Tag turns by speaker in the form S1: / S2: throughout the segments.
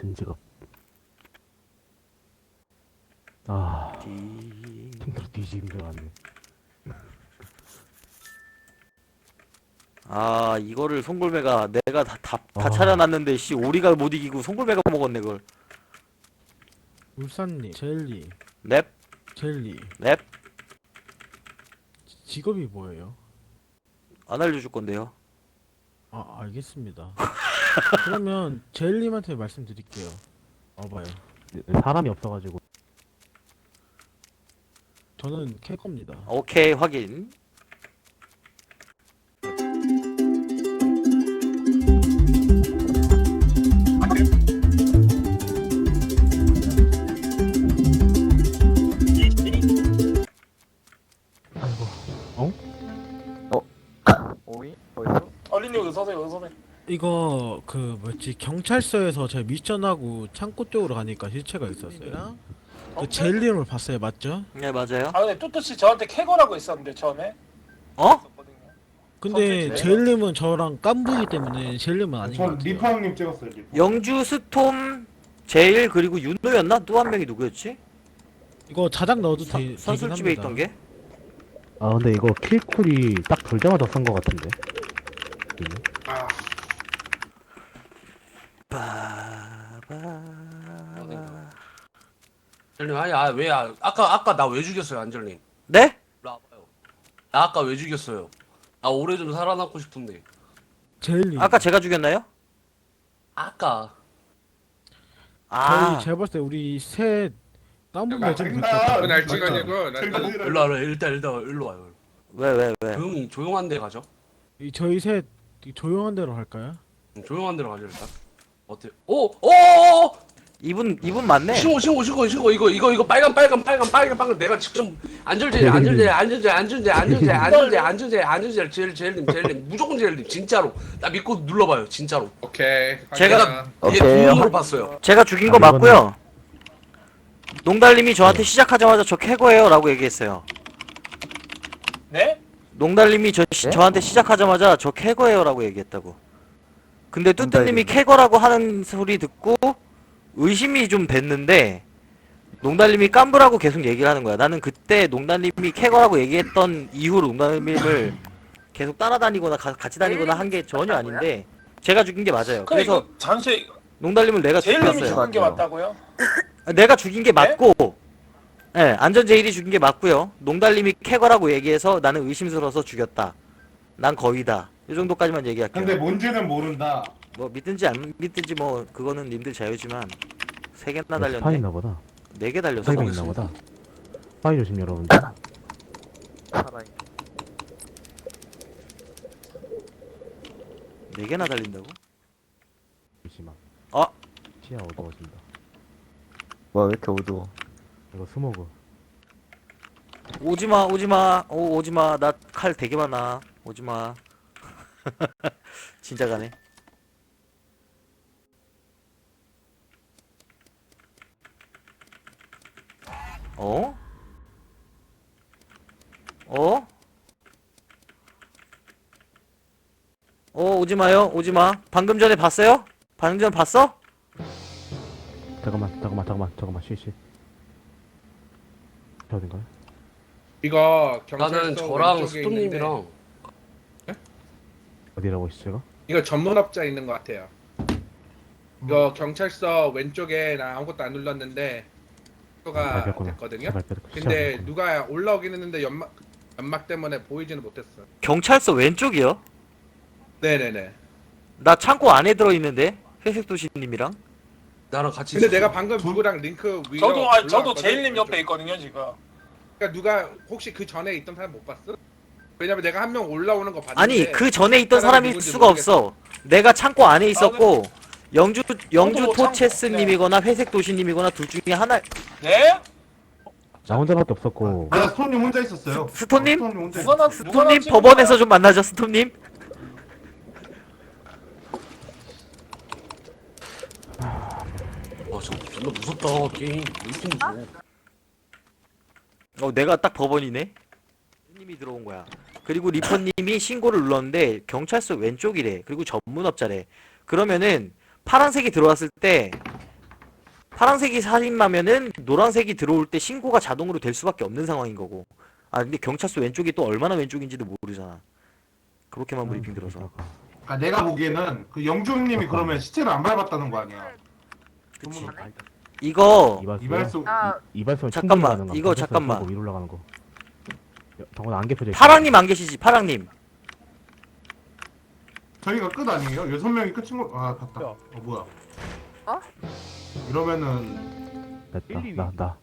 S1: 같은 직업. 아, 힘들어 뒤지기 힘들어갔네.
S2: 아, 이거를 송골매가 내가 다
S1: 아.
S2: 차려놨는데 씨 오리가 못 이기고 송골매가 먹었네 그걸.
S3: 울산님, 젤리,
S2: 넵,
S3: 젤리.
S2: 넵.
S3: 직업이 뭐예요?
S2: 안 알려줄 건데요.
S3: 아, 알겠습니다. 그러면 젤리한테 말씀드릴게요. 와봐요.
S1: 사람이 없어가지고.
S3: 저는 캐커입니다.
S2: 오케이, 확인.
S4: 오이? 어디서?
S5: 얼린이 어디 서세요? 어디 서세요?
S3: 이거 그 뭐지 경찰서에서 제가 미션하고 창고 쪽으로 가니까 실체가 있었어요. 그 젤리를 봤어요, 맞죠?
S2: 네, 맞아요.
S5: 아 근데 뚜뚜씨 저한테 캐거라고 했었는데 처음에
S2: 어?
S5: 있었거든요.
S3: 근데
S5: 선택지.
S3: 젤림은 저랑 깐부이기 때문에 젤림은 아닌 것
S6: 전
S3: 같아요.
S6: 리파 형님 찍었어요. 리파.
S2: 영주, 스톰, 제일 그리고 윤노였나? 또 한 명이 누구였지?
S3: 이거 자작 넣어도 되긴
S2: 선술집에
S3: 합니다.
S2: 있던 게?
S1: 아, 근데 이거 킬쿨이 딱 돌자마자 쓴 것 같은데.
S6: 아,
S7: 안젤님 아니 왜 아까 나 왜 죽였어요 안젤님?
S2: 네?
S7: 일로 와봐요. 나 아까 왜 죽였어요? 나 오래 좀 살아남고 싶은데
S3: 젤리.
S2: 아까 제가 죽였나요?
S7: 아까
S2: 아,
S3: 저희 제가 봤을 때 우리 셋 깐부
S6: 야,
S3: 매좀
S6: 나
S3: 될것
S6: 그건
S3: 같아요.
S7: 일로 와요. 일단 일로 와요.
S2: 왜?
S7: 조용한 데 가죠.
S3: 저희 셋 조용한 데로 할까요?
S7: 조용한 데로 가죠 일단. 어때? 오!
S2: 이분 맞네.
S7: 신고 이거 빨간 내가 직접 안전제 젤님 무조건 젤님 진짜로 나 믿고 눌러봐요 진짜로.
S4: 오케이.
S2: 제가
S7: 이게 눈으로 봤어요.
S2: 제가 죽인 거
S1: 아, 이거는-
S2: 맞고요. 농달님이 저한테 시작하자마자 저 캐거예요 라고 얘기했어요.
S5: 네?
S2: 농달님이 저한테 시작하자마자 저 캐거예요 라고 얘기했다고. 근데 뚜뚜님이 캐거라고 하는 소리 듣고 의심이 좀 됐는데 농달님이 깜부라고 계속 얘기를 하는 거야. 나는 그때 농달님이 캐거라고 얘기했던 이후로 농달님을 계속 따라다니거나 같이 다니거나 한 게 전혀 아닌데 제가 죽인 게 맞아요.
S5: 근데
S2: 그래서
S5: 이거 잠시
S2: 농달님을 내가
S5: 제일님이
S2: 죽였어요.
S5: 죽은 게 맞다고요?
S2: 내가 죽인 게 맞고, 예, 안전제일이 죽인 게 맞고요. 농달님이 캐거라고 얘기해서 나는 의심스러워서 죽였다. 난 거위다. 이 정도까지만 얘기할게요.
S6: 근데 뭔지는 모른다.
S2: 뭐 믿든지 안 믿든지 뭐 그거는 님들 자유지만 3개나
S1: 스파
S2: 달렸네.
S1: 있나 보다.
S2: 4개 달렸어.
S1: 스파이가 있나 보다. 스파이 조심 여러분들.
S4: 살아있.
S2: 4개나 달린다고?
S1: 조심하.
S2: 아!
S1: 시야 어두워진다.
S4: 뭐야 왜 이렇게 어두워?
S1: 이거 스모그.
S2: 오지마. 오지마. 나 칼 되게 많아. 오지마. 진짜 가네. 어? 오지마요. 오지마. 방금 전에 봤어요? 방금 전에 봤어?
S1: 잠깐만. 쉬. 어딘가요?
S4: 이거
S7: 나는
S4: 경찰서
S7: 저랑
S4: 왼쪽에
S7: 스톤님이랑
S1: 어디라고 했어 제가?
S4: 이거 전문업자 있는 것 같아요. 이거 경찰서 왼쪽에 나 아무것도 안 눌렀는데 가
S1: 밟혔구나.
S4: 됐거든요.
S1: 밟혔구나.
S4: 근데
S1: 시작.
S4: 누가 올라오긴 했는데 연막 때문에 보이지는 못했어.
S2: 경찰서 왼쪽이요?
S4: 네네네.
S2: 나 창고 안에 들어있는데? 회색도시님이랑?
S7: 나랑 같이
S4: 근데
S7: 있었어.
S4: 내가 방금 누구랑 링크 위로
S5: 저도
S4: 올라왔거든,
S5: 제일님 옆에
S4: 왼쪽.
S5: 있거든요 지금.
S4: 그러니까 누가 혹시 그 전에 있던 사람 못 봤어? 왜냐면 내가 한 명 올라오는 거 봤는데
S2: 아니 그 전에 있던
S4: 사람이
S2: 사람일
S4: 누군지
S2: 수가 없어. 내가 창고 안에 있었고 영주
S5: 저도
S2: 토체스님이거나 회색도시님이거나 둘 중에 하나.
S5: 네?
S1: 나 혼자밖에 없었고.
S6: 아, 스톤님 혼자 있었어요.
S2: 스톤님?
S6: 스톤님 혼자
S5: 누가 나
S6: 있었어요.
S2: 스톰님 법원에서 좀 만나죠. 스톰님.
S7: 와 진짜 존나 무섭다 게임. 왜 이렇게 무서워?
S2: 내가 딱 법원이네. 님이 들어온 거야. 그리고 리퍼님이 신고를 눌렀는데 경찰서 왼쪽이래. 그리고 전문업자래. 그러면은 파란색이 들어왔을 때 파란색이 살인마면은 노란색이 들어올 때 신고가 자동으로 될 수밖에 없는 상황인 거고. 아 근데 경찰서 왼쪽이 또 얼마나 왼쪽인지도 모르잖아. 그렇게만 브리핑 들어서.
S6: 아 내가 보기에는 그 영주님이 그러면 시체를 안 밟았다는 거 아니야.
S2: 그치. 이거
S6: 이발소
S1: 이발소
S2: 잠깐만, 이거 잠깐만.
S1: 위로 올라가는 거. 정원 안 개표돼. 있어.
S2: 파랑님 안 계시지? 파랑님.
S6: 저희가 끝 아니에요? 6명이 끝인 거. 아 갔다. 뭐야?
S8: 어?
S6: 이러면은
S1: 됐다. 나.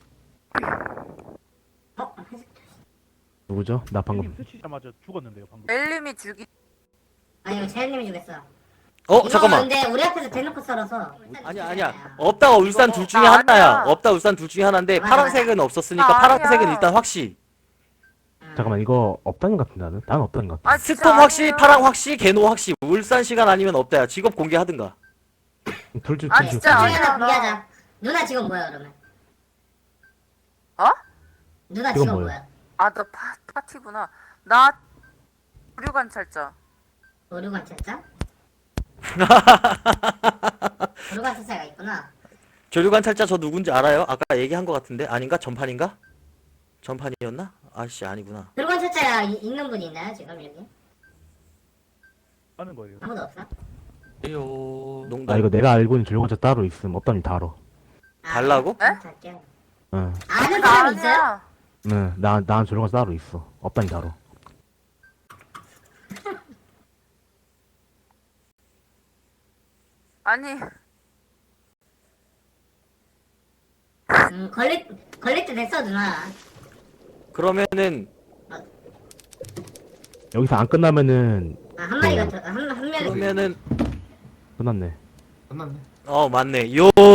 S1: 누구죠? 나 방금.
S9: 스치자마자 죽었는데요 방금.
S8: 멜림이 죽이.
S10: 아니요, 재현님이 죽였어.
S2: 어 잠깐만.
S10: 근데 우리 앞에서 대놓고 썰어서.
S2: 아니야. 없다가 울산 둘 중에
S8: 나
S2: 하나야.
S8: 아니야.
S2: 없다 울산 둘 중에 하나인데
S10: 맞아,
S2: 파란색은 없었으니까
S8: 나
S2: 파란색은
S8: 아니야.
S2: 일단 확시.
S1: 잠깐만 이거 없다는 것 같은데 나는. 난 없다는 것 같아.
S8: 아 진짜
S2: 스톰 확시,
S8: 아니에요.
S2: 파랑 확시, 개노 확시. 울산 시간 아니면 없다야. 직업 공개하든가.
S1: 둘중
S8: 아,
S1: 둘 중.
S8: 진짜
S10: 둘
S8: 아니야.
S10: 중에 하나 공개하자. 누나 직업 뭐야 그러면?
S8: 어?
S10: 누나
S1: 직업
S10: 직업
S1: 뭐야?
S10: 뭐야?
S8: 아 너 파티구나. 나 부류 관찰자.
S10: 오류관찰자? 오류관찰자가 있구나.
S2: 조류관찰자 저 누군지 알아요? 아까 얘기한 것 같은데 아닌가? 전판인가? 전판이었나? 아씨 아니구나.
S10: 오류관찰자 있는 분이 있나요 지금 여기?
S9: 하는 거예요.
S10: 아무도 없어?
S7: 에요.
S2: 농담.
S1: 아 이거 내가 알고 있는 줄거자 따로 있음. 없다면 다 알아.
S2: 달라고?
S10: 아, 할게요.
S1: 응.
S10: 아는
S8: 나
S10: 사람 있어요?
S8: 아니야.
S1: 응. 난 줄거자 따로 있어. 없다니 다 알아.
S8: 아니
S10: 걸릴 때 됐어 누나.
S2: 그러면은
S1: 여기서 안 끝나면은
S10: 한 마리가 한 명이.
S2: 그러면은
S1: 끝났네.
S6: 끝났네.
S2: 맞네. 요